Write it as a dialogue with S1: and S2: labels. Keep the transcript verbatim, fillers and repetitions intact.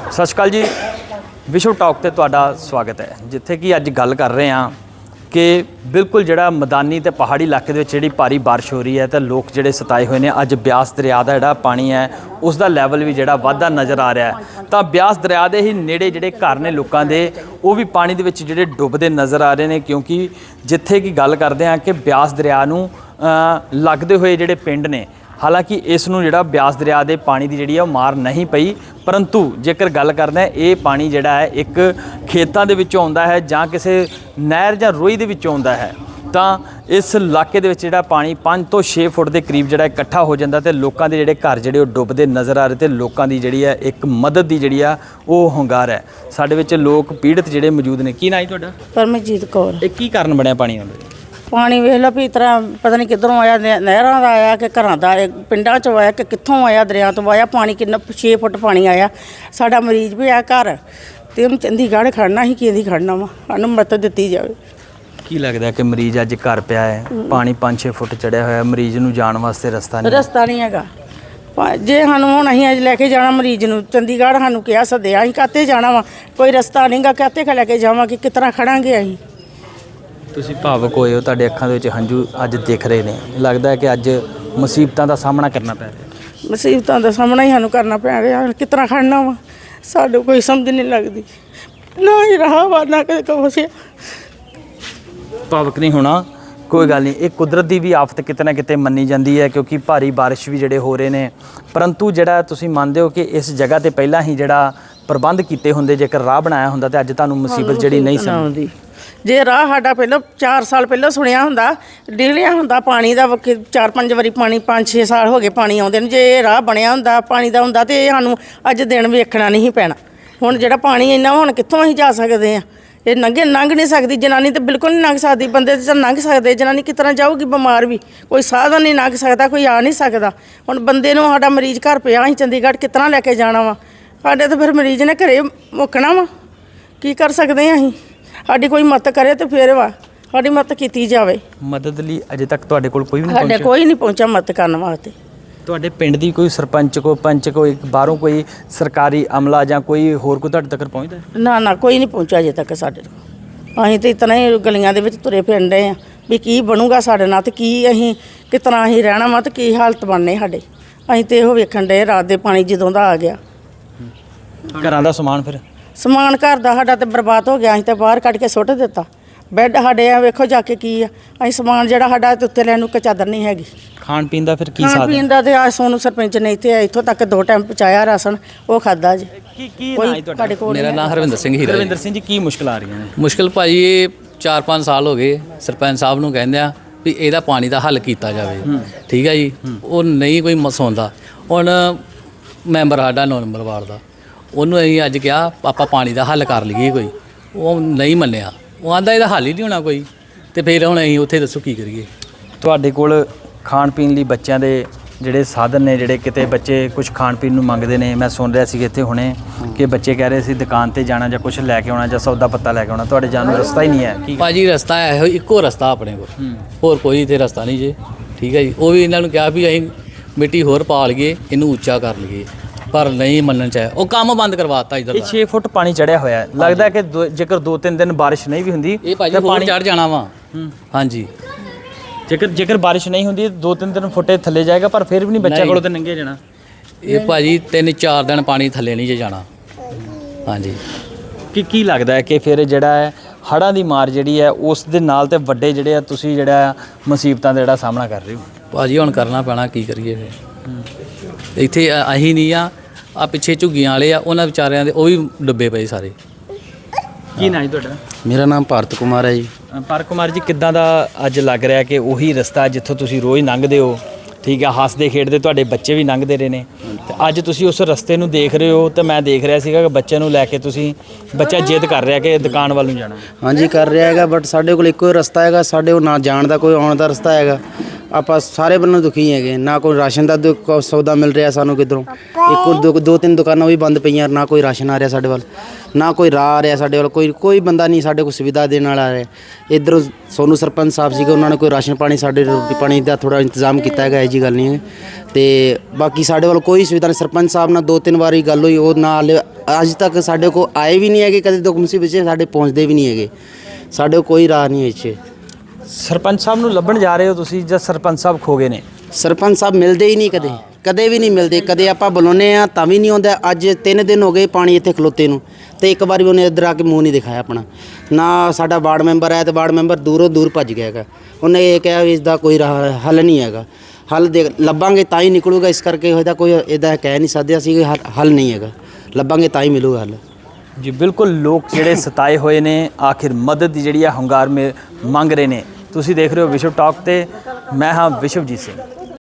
S1: सत श्री अकाल जी, विश्व टॉक ते तुहाडा स्वागत है। जिथे कि अज गल कर रहे हैं कि बिल्कुल जिहड़ा मैदानी ते पहाड़ी इलाके दे विच जिहड़ी भारी बारिश हो रही है तो लोग जिहड़े सताए हुए हैं। अज ब्यास दरिया का जिहड़ा पानी है उसका लैवल भी जिहड़ा वाधा नज़र आ रहा है। तो ब्यास दरिया के ही नेड़े जिहड़े घर ने लोगों के वो भी पानी दे विच जिहड़े डुबदे नज़र आ रहे हैं, क्योंकि जिथे कि गल करते हैं कि ब्यास दरिया नूं लगदे हुए जिहड़े पिंड ने, हालांकि इस नूं जिहड़ा ब्यास दरिया के पानी की जिहड़ी मार नहीं पई, परंतु जेकर गल करते हैं ये पानी जिहड़ा है एक खेतों के विचों आउंदा है जां किसी नहर जां रोई दे विचों आउंदा है। तो इस इलाके दे विच जिहड़ा पानी पाँच तो छे फुट के करीब जिहड़ा इकट्ठा हो जाता तो लोगों के जिहड़े घर जिहड़े डुबदे नज़र आ रहे थे। लोगों की जिहड़ी है एक मदद की जिहड़ी आ वो hungar है। साडे विच लोग पीड़ित जिहड़े मौजूद ने। की नाम है तुहाडा?
S2: परमजीत कौर।
S1: ये की कारण बनया पानी आउंदा?
S2: पानी वेख लो भी इस तरह पता नहीं किधरों आया, नहरों का आया कि घरों का पिंडों चों आया कि कित्थों आया, दरिया तो आया पानी। किन्ना छे फुट पानी आया। साडा मरीज भी आ घर ते हम चंडीगढ़ खड़ना ही कि खड़ना वा, सानूं मदद दित्ती जावे।
S1: की लगता है कि मरीज अज घर पिया है, पानी पाँच छे फुट चढ़िया होया, मरीज नूं जाण वास्ते रस्ता नहीं
S2: रस्ता नहीं हैगा। जे सानूं हुण असीं अज लैके जाना मरीज नूं चंडीगढ़, सानूं किहा सद्दिया असीं काते जाना वा, कोई रस्ता नहीं गा, काते लैके जावांगे, किस तरह खड़ांगे असीं।
S1: ਤੁਸੀਂ ਭਾਵਕ ਹੋਏ ਹੋ, ਤੁਹਾਡੇ ਅੱਖਾਂ ਦੇ ਵਿੱਚ ਹੰਝੂ ਅੱਜ ਦਿਖ ਰਹੇ ਨੇ। ਲੱਗਦਾ ਹੈ ਕਿ ਅੱਜ ਮੁਸੀਬਤਾਂ ਦਾ ਸਾਹਮਣਾ ਕਰਨਾ ਪੈ ਰਿਹਾ।
S2: ਮੁਸੀਬਤਾਂ ਦਾ ਸਾਹਮਣਾ ਹੀ ਸਾਨੂੰ ਕਰਨਾ ਪੈ ਰਿਹਾ। ਕਿਸ ਤਰ੍ਹਾਂ ਖੜਨਾ ਵਾ, ਸਾਨੂੰ ਕੋਈ ਸਮਝ ਨਹੀਂ ਲੱਗਦੀ। ਨਾ ਹੀ ਰਹਾ ਵਾ ਨਾ ਕਦੇ ਕੁਛ।
S1: ਭਾਵਕ ਨਹੀਂ ਹੋਣਾ, ਕੋਈ ਗੱਲ ਨਹੀਂ। ਇਹ ਕੁਦਰਤ ਦੀ ਵੀ ਆਫਤ ਕਿਤੇ ਨਾ ਕਿਤੇ ਮੰਨੀ ਜਾਂਦੀ ਹੈ, ਕਿਉਂਕਿ ਭਾਰੀ ਬਾਰਿਸ਼ ਵੀ ਜਿਹੜੇ ਹੋ ਰਹੇ ਨੇ। ਪਰੰਤੂ ਜਿਹੜਾ ਤੁਸੀਂ ਮੰਨਦੇ ਹੋ ਕਿ ਇਸ ਜਗ੍ਹਾ ਤੇ ਪਹਿਲਾਂ ਹੀ ਜਿਹੜਾ ਪ੍ਰਬੰਧ ਕੀਤੇ ਹੁੰਦੇ, ਜੇਕਰ ਰਾਹ ਬਣਾਇਆ ਹੁੰਦਾ ਤੇ ਅੱਜ ਤੁਹਾਨੂੰ ਮੁਸੀਬਤ ਜਿਹੜੀ ਨਹੀਂ ਸੀ ਆਉਂਦੀ।
S2: ਜੇ ਰਾਹ ਸਾਡਾ ਪਹਿਲਾਂ ਚਾਰ ਸਾਲ ਪਹਿਲਾਂ ਸੁਣਿਆ ਹੁੰਦਾ, ਡਿਗਲਿਆ ਹੁੰਦਾ ਪਾਣੀ ਦਾ, ਚਾਰ ਪੰਜ ਵਾਰੀ ਪਾਣੀ, ਪੰਜ ਛੇ ਸਾਲ ਹੋ ਗਏ ਪਾਣੀ ਆਉਂਦੇ ਨੂੰ। ਜੇ ਇਹ ਰਾਹ ਬਣਿਆ ਹੁੰਦਾ ਪਾਣੀ ਦਾ ਹੁੰਦਾ ਤੇ ਸਾਨੂੰ ਅੱਜ ਦਿਨ ਵੇਖਣਾ ਨਹੀਂ ਪੈਣਾ। ਹੁਣ ਜਿਹੜਾ ਪਾਣੀ ਇੰਨਾ, ਹੁਣ ਕਿੱਥੋਂ ਅਸੀਂ ਜਾ ਸਕਦੇ ਹਾਂ? ਇਹ ਲੰਘੇ ਲੰਘ ਨਹੀਂ ਸਕਦੀ ਜਨਾਨੀ, ਤਾਂ ਬਿਲਕੁਲ ਨਹੀਂ ਲੰਘ ਸਕਦੀ। ਬੰਦੇ ਤਾਂ ਲੰਘ ਸਕਦੇ, ਜਨਾਨੀ ਕਿਸ ਤਰ੍ਹਾਂ ਜਾਊਗੀ? ਬਿਮਾਰ ਵੀ ਕੋਈ ਸਾਧਨ ਨਹੀਂ ਲੰਘ ਸਕਦਾ, ਕੋਈ ਆ ਨਹੀਂ ਸਕਦਾ। ਹੁਣ ਬੰਦੇ ਨੂੰ ਸਾਡਾ ਮਰੀਜ਼ ਘਰ ਪਿਆ, ਅਸੀਂ ਚੰਡੀਗੜ੍ਹ ਕਿਸ ਤਰ੍ਹਾਂ ਲੈ ਕੇ ਜਾਣਾ ਵਾ? ਸਾਡੇ ਤਾਂ ਫਿਰ ਮਰੀਜ਼ ਨੇ ਘਰੇ ਮੁੱਕਣਾ ਵਾ। ਕੀ ਕਰ ਸਕਦੇ ਹਾਂ ਅਸੀਂ? ਸਾਡੀ ਕੋਈ ਮਦਦ ਕਰੇ ਤੇ ਫਿਰ ਵਾ, ਸਾਡੀ ਮਦਦ ਕੀਤੀ ਜਾਵੇ।
S1: ਮਦਦ ਲਈ ਅਜੇ ਤੱਕ ਤੁਹਾਡੇ ਕੋਲ ਕੋਈ ਵੀ ਨਹੀਂ
S2: ਸਾਡੇ
S1: ਪਹੁੰਚਿਆ?
S2: ਕੋਈ ਨਹੀਂ ਪਹੁੰਚਿਆ ਮਦਦ ਕਰਨ ਵਾਸਤੇ।
S1: ਤੁਹਾਡੇ ਪਿੰਡ ਦੀ ਕੋਈ ਸਰਪੰਚ ਕੋ ਪੰਚ ਕੋਈ ਬਾਹਰੋਂ ਕੋਈ ਸਰਕਾਰੀ ਅਮਲਾ ਜਾਂ ਕੋਈ ਹੋਰ ਕੋਈ ਤੁਹਾਡੇ ਤੱਕ ਪਹੁੰਚਦਾ?
S2: ਨਾ ਨਾ ਕੋਈ ਨਹੀਂ ਪਹੁੰਚਿਆ ਅਜੇ ਤੱਕ ਸਾਡੇ ਕੋਲ। ਅਸੀਂ ਤਾਂ ਇਤਨਾ ਹੀ ਗਲੀਆਂ ਦੇ ਵਿੱਚ ਤੁਰੇ ਫਿਰਨ ਰਹੇ ਹਾਂ ਵੀ ਕੀ ਬਣੂਗਾ ਸਾਡੇ ਨਾਲ ਤੇ ਕੀ ਅਸੀਂ ਕਿਸ ਤਰ੍ਹਾਂ ਅਸੀਂ ਰਹਿਣਾ ਵਾ ਤੇ ਕੀ ਹਾਲਤ ਬਣਨੇ ਸਾਡੇ। ਅਸੀਂ ਤਾਂ ਇਹੋ ਵੇਖਣ ਡਏ ਰਾਤ ਦੇ ਪਾਣੀ ਜਦੋਂ ਦਾ ਆ ਗਿਆ।
S1: ਘਰਾਂ ਦਾ ਸਮਾਨ ਫਿਰ
S2: ਸਮਾਨ ਘਰ ਦਾ ਸਾਡਾ ਤਾਂ ਬਰਬਾਦ ਹੋ ਗਿਆ। ਅਸੀਂ ਤਾਂ ਬਾਹਰ ਕੱਢ ਕੇ ਸੁੱਟ ਦਿੱਤਾ। ਬੈੱਡ ਸਾਡੇ ਆ ਵੇਖੋ ਜਾ ਕੇ ਕੀ ਆ। ਅਸੀਂ ਸਮਾਨ ਜਿਹੜਾ ਸਾਡਾ ਉੱਤੇ ਲੈਣ ਨੂੰ ਚਾਦਰ ਨਹੀਂ ਹੈਗੀ।
S1: ਖਾਣ ਪੀਣ ਦਾ ਫਿਰ ਕੀ
S2: ਖਾਣ
S1: ਸਾਧਨ?
S2: ਪੀਣ ਦਾ ਤੇ ਆ ਸੋਨੂੰ ਸਰਪੰਚ ਨੇ ਇੱਥੇ ਇੱਥੋਂ ਤੱਕ ਦੋ ਟਾਈਮ ਪਹੁੰਚਾਇਆ ਰਾਸ਼ਨ, ਉਹ ਖਾਦਾ ਜੀ।
S1: ਕੀ ਕੀ ਨਾਂ ਹੈ ਤੁਹਾਡਾ?
S2: ਕੋਲ
S3: ਮੇਰਾ ਨਾਮ ਹਰਵਿੰਦਰ ਸਿੰਘ ਹੀਰਾ।
S1: ਰਵਿੰਦਰ ਸਿੰਘ ਜੀ, ਕੀ ਮੁਸ਼ਕਲ ਆ ਰਹੀਆਂ ਨੇ?
S3: ਮੁਸ਼ਕਲ ਭਾਜੀ ਇਹ ਚਾਰ ਪੰਜ ਸਾਲ ਹੋ ਗਏ ਸਰਪੰਚ ਸਾਹਿਬ ਨੂੰ ਕਹਿੰਦੇ ਆ ਵੀ ਇਹਦਾ ਪਾਣੀ ਦਾ ਹੱਲ ਕੀਤਾ ਜਾਵੇ, ਠੀਕ ਹੈ ਜੀ। ਉਹ ਨਹੀਂ ਕੋਈ ਮਸੌਂਦਾ। ਹੁਣ ਮੈਂਬਰ ਸਾਡਾ ਨੌ ਨੰਬਰ ਵਾਰਡ ਦਾ, ਉਹਨੂੰ ਅਸੀਂ ਅੱਜ ਕਿਹਾ ਆਪਾਂ ਪਾਣੀ ਦਾ ਹੱਲ ਕਰ ਲਈਏ ਕੋਈ, ਉਹ ਨਹੀਂ ਮੰਨਿਆ। ਉਹ ਆਂਦਾ ਇਹਦਾ ਹੱਲ ਹੀ ਨਹੀਂ ਹੋਣਾ ਕੋਈ। ਤੇ ਫਿਰ ਹੁਣ ਅਸੀਂ ਉੱਥੇ ਦੱਸੋ ਕੀ ਕਰੀਏ?
S1: ਤੁਹਾਡੇ ਕੋਲ ਖਾਣ ਪੀਣ ਲਈ ਬੱਚਿਆਂ ਦੇ ਜਿਹੜੇ ਸਾਧਨ ਨੇ, ਜਿਹੜੇ ਕਿਤੇ ਬੱਚੇ ਕੁਝ ਖਾਣ ਪੀਣ ਨੂੰ ਮੰਗਦੇ ਨੇ। ਮੈਂ ਸੁਣ ਰਿਹਾ ਸੀ ਇੱਥੇ ਹੁਣੇ ਕਿ ਬੱਚੇ ਕਹਿ ਰਹੇ ਸੀ ਦੁਕਾਨ ਤੇ ਜਾਣਾ ਜਾਂ ਕੁਝ ਲੈ ਕੇ ਆਉਣਾ ਜਾਂ ਸੌਦਾ ਪੱਤਾ ਲੈ ਕੇ ਆਉਣਾ, ਤੁਹਾਡੇ ਜਾਣ ਨੂੰ ਰਸਤਾ ਹੀ ਨਹੀਂ ਹੈ। ਕੀ
S3: ਭਾਜੀ ਰਸਤਾ ਹੈ ਇੱਕੋ ਰਸਤਾ ਆਪਣੇ ਕੋਲ, ਹੋਰ ਕੋਈ ਇੱਥੇ ਰਸਤਾ ਨਹੀਂ ਜੀ, ਠੀਕ ਹੈ ਜੀ। ਉਹ ਵੀ ਇਹਨਾਂ ਨੂੰ ਕਿਹਾ ਵੀ ਅਸੀਂ ਮਿੱਟੀ ਹੋਰ ਪਾ ਲਈਏ, ਇਹਨੂੰ ਉੱਚਾ ਕਰ ਲਈਏ, ਪਰ ਨਹੀਂ ਮੰਨਣ ਚਾਹਿਆ। ਉਹ ਕੰਮ ਬੰਦ ਕਰਵਾਤਾ ਇੱਧਰ
S1: ਇਹ
S3: ਦਾ।
S1: ਛੇ ਫੁੱਟ ਪਾਣੀ ਚੜਿਆ ਹੋਇਆ। ਲੱਗਦਾ ਕਿ ਦੋ- ਜੇਕਰ ਦੋ ਤਿੰਨ ਦਿਨ ਬਾਰਿਸ਼ ਨਹੀਂ ਵੀ ਹੁੰਦੀ
S3: ਇਹ ਭਾਜੀ ਪਾਣੀ ਚੜ ਜਾਣਾ ਵਾ। ਹਾਂਜੀ,
S1: ਜੇਕਰ ਜੇਕਰ ਬਾਰਿਸ਼ ਨਹੀਂ ਹੁੰਦੀ ਦੋ ਤਿੰਨ ਦਿਨ ਫੁੱਟੇ ਥੱਲੇ ਜਾਏਗਾ, ਪਰ ਫਿਰ ਵੀ ਨਹੀਂ ਬੱਚਿਆਂ ਕੋਲੋਂ ਤੇ ਨੰਗੇ ਜਾਣਾ।
S3: ਇਹ ਭਾਜੀ ਤਿੰਨ ਚਾਰ ਦਿਨ ਪਾਣੀ ਥੱਲੇ ਨਹੀਂ ਜੇ ਜਾਣਾ। ਹਾਂਜੀ,
S1: ਕੀ ਕੀ ਲੱਗਦਾ ਹੈ ਕਿ ਫਿਰ ਜਿਹੜਾ ਹੈ ਹੜ੍ਹਾਂ ਦੀ ਮਾਰ ਜਿਹੜੀ ਹੈ ਉਸ ਦੇ ਨਾਲ ਤੇ ਵੱਡੇ ਜਿਹੜੇ ਆ ਤੁਸੀਂ ਜਿਹੜਾ ਮੁਸੀਬਤਾਂ ਦਾ ਜਿਹੜਾ ਸਾਹਮਣਾ ਕਰ ਰਹੇ ਹੋ?
S3: ਭਾਜੀ ਹੁਣ ਕਰਨਾ ਪੈਣਾ, ਕੀ ਕਰੀਏ ਫਿਰ। ਇੱਥੇ ਅ- ਅਸੀਂ ਨਹੀਂ ਆ, ਆ ਪਿੱਛੇ ਝੁੱਗੀਆਂ ਵਾਲੇ ਆ, ਉਹਨਾਂ ਵਿਚਾਰਿਆਂ ਦੇ ਉਹ ਵੀ ਡੁੱਬੇ ਪਏ ਸਾਰੇ।
S1: ਕੀ ਨਾਂ ਹੈ ਤੁਹਾਡਾ?
S4: ਮੇਰਾ ਨਾਮ ਭਾਰਤ ਕੁਮਾਰ ਹੈ ਜੀ।
S1: ਪਰ ਕੁਮਾਰ ਜੀ, ਕਿੱਦਾਂ ਦਾ ਅੱਜ ਲੱਗ ਰਿਹਾ ਕਿ ਉਹੀ ਰਸਤਾ ਜਿੱਥੋਂ ਤੁਸੀਂ ਰੋਜ਼ ਲੰਘਦੇ ਹੋ, ਠੀਕ ਹੈ, ਹੱਸਦੇ ਖੇਡਦੇ ਤੁਹਾਡੇ ਬੱਚੇ ਵੀ ਲੰਘਦੇ ਰਹੇ ਨੇ, ਤੇ ਅੱਜ ਤੁਸੀਂ ਉਸ ਰਸਤੇ ਨੂੰ ਦੇਖ ਰਹੇ ਹੋ? ਤੇ ਮੈਂ ਦੇਖ ਰਿਹਾ ਸੀਗਾ ਕਿ ਬੱਚੇ ਨੂੰ ਲੈ ਕੇ ਤੁਸੀਂ, ਬੱਚਾ ਜਿੱਦ ਕਰ ਰਿਹਾ ਕਿ ਦੁਕਾਨ ਵੱਲ ਨੂੰ ਜਾਣਾ।
S4: ਹਾਂਜੀ ਕਰ ਰਿਹਾ ਹੈਗਾ, ਬਟ ਸਾਡੇ ਕੋਲ ਇੱਕੋ ਹੀ ਰਸਤਾ ਹੈਗਾ। ਸਾਡੇ ਕੋਲ ਨਾ ਜਾਣ ਦਾ ਕੋਈ ਆਉਣ ਦਾ ਰਸਤਾ ਹੈਗਾ। ਆਪਾਂ ਸਾਰੇ ਬੰਨੋਂ ਦੁਖੀ ਹੈਗੇ, ਨਾ ਕੋਈ ਰਾਸ਼ਨ ਦਾ ਦੁ- ਕੋ ਸੌਦਾ ਮਿਲ ਰਿਹਾ ਸਾਨੂੰ ਕਿੱਧਰੋਂ। ਇੱਕ ਦੋ ਦੋ ਤਿੰਨ ਦੁਕਾਨਾਂ ਵੀ ਬੰਦ ਪਈਆਂ, ਨਾ ਕੋਈ ਰਾਸ਼ਨ ਆ ਰਿਹਾ ਸਾਡੇ ਵੱਲ, ਨਾ ਕੋਈ ਰਾਹ ਆ ਰਿਹਾ ਸਾਡੇ ਵੱਲ, ਕੋਈ ਕੋਈ ਬੰਦਾ ਨਹੀਂ ਸਾਡੇ ਕੋਲ ਸੁਵਿਧਾ ਦੇਣ ਵਾਲਾ ਆ ਰਿਹਾ। ਇੱਧਰੋਂ ਸੋਨੂੰ ਸਰਪੰਚ ਸਾਹਿਬ ਸੀਗੇ, ਉਹਨਾਂ ਨੇ ਕੋਈ ਰਾਸ਼ਨ ਪਾਣੀ ਸਾਡੇ ਰੋਟੀ ਪਾਣੀ ਦਾ ਥੋੜਾ ਇੰਤਜ਼ਾਮ ਕੀਤਾ ਹੈਗਾ, ਇਹ ਜੀ ਗੱਲ ਨਹੀਂ ਹੈ। ਤੇ ਬਾਕੀ ਸਾਡੇ ਵੱਲ ਕੋਈ ਸੁਵਿਧਾ ਨਹੀਂ। ਸਰਪੰਚ ਸਾਹਿਬ ਨਾਲ ਦੋ ਤਿੰਨ ਵਾਰੀ ਗੱਲ ਹੋਈ, ਉਹ ਨਾਲ ਅੱਜ ਤੱਕ ਸਾਡੇ ਕੋਲ ਆਏ ਵੀ ਨਹੀਂ ਹੈਗੇ, ਕਦੇ ਦੁੱਖ ਮੁਸੀਬਤ 'ਚ ਸਾਡੇ ਪਹੁੰਚਦੇ ਵੀ ਨਹੀਂ ਹੈਗੇ। ਸਾਡੇ ਕੋਲ ਕੋਈ ਰਾਹ ਨਹੀਂ ਹੈ ਇੱਥੇ।
S1: ਸਰਪੰਚ ਸਾਹਿਬ ਨੂੰ ਲੱਭਣ ਜਾ ਰਹੇ ਹੋ ਤੁਸੀਂ ਜਾਂ ਸਰਪੰਚ ਸਾਹਿਬ ਖੋ ਗਏ ਨੇ?
S4: ਸਰਪੰਚ ਸਾਹਿਬ ਮਿਲਦੇ ਹੀ ਨਹੀਂ ਕਦੇ, ਕਦੇ ਵੀ ਨਹੀਂ ਮਿਲਦੇ। ਕਦੇ ਆਪਾਂ ਬੁਲਾਉਂਦੇ ਆ ਤਾਂ ਵੀ ਨਹੀਂ ਆਉਂਦਾ। ਅੱਜ ਤਿੰਨ ਦਿਨ ਹੋ ਗਏ ਪਾਣੀ ਇੱਥੇ ਖਲੋਤੇ ਨੂੰ, ਤੇ ਇੱਕ ਵਾਰੀ ਉਹਨੇ ਇੱਧਰ ਆ ਕੇ ਮੂੰਹ ਨਹੀਂ ਦਿਖਾਇਆ ਆਪਣਾ। ਨਾ ਸਾਡਾ ਵਾਰਡ ਮੈਂਬਰ ਹੈ, ਤੇ ਵਾਰਡ ਮੈਂਬਰ ਦੂਰੋਂ ਦੂਰ ਭੱਜ ਗਿਆ ਹੈਗਾ। ਉਹਨੇ ਇਹ ਕਿਹਾ ਵੀ ਇਸ ਦਾ ਕੋਈ ਰਾਹ ਹੱਲ ਨਹੀਂ ਹੈਗਾ, ਹੱਲ ਦੇ ਲੱਭਾਂਗੇ ਤਾਂ ਹੀ ਨਿਕਲੂਗਾ। ਇਸ ਕਰਕੇ ਇਹਦਾ ਕੋਈ ਇਹਦਾ ਕਹਿ ਨਹੀਂ ਸਕਦੇ ਅਸੀਂ, ਹੱਲ ਨਹੀਂ ਹੈਗਾ, ਲੱਭਾਂਗੇ ਤਾਂ ਹੀ ਮਿਲੂਗਾ ਹੱਲ।
S1: ਜੀ ਬਿਲਕੁਲ, ਲੋਕ ਜਿਹੜੇ ਸਤਾਏ ਹੋਏ ਨੇ ਆਖਿਰ ਮਦਦ ਦੀ ਜਿਹੜੀ ਆ ਹੁੰਗਾਰ ਮੇ ਮੰਗ ਰਹੇ ਨੇ। ਤੁਸੀਂ ਦੇਖ ਰਹੇ ਹੋ ਵਿਸ਼ਵ ਟਾਕ ਤੇ ਮੈਂ ਹਾਂ ਵਿਸ਼ਵਜੀਤ ਸਿੰਘ।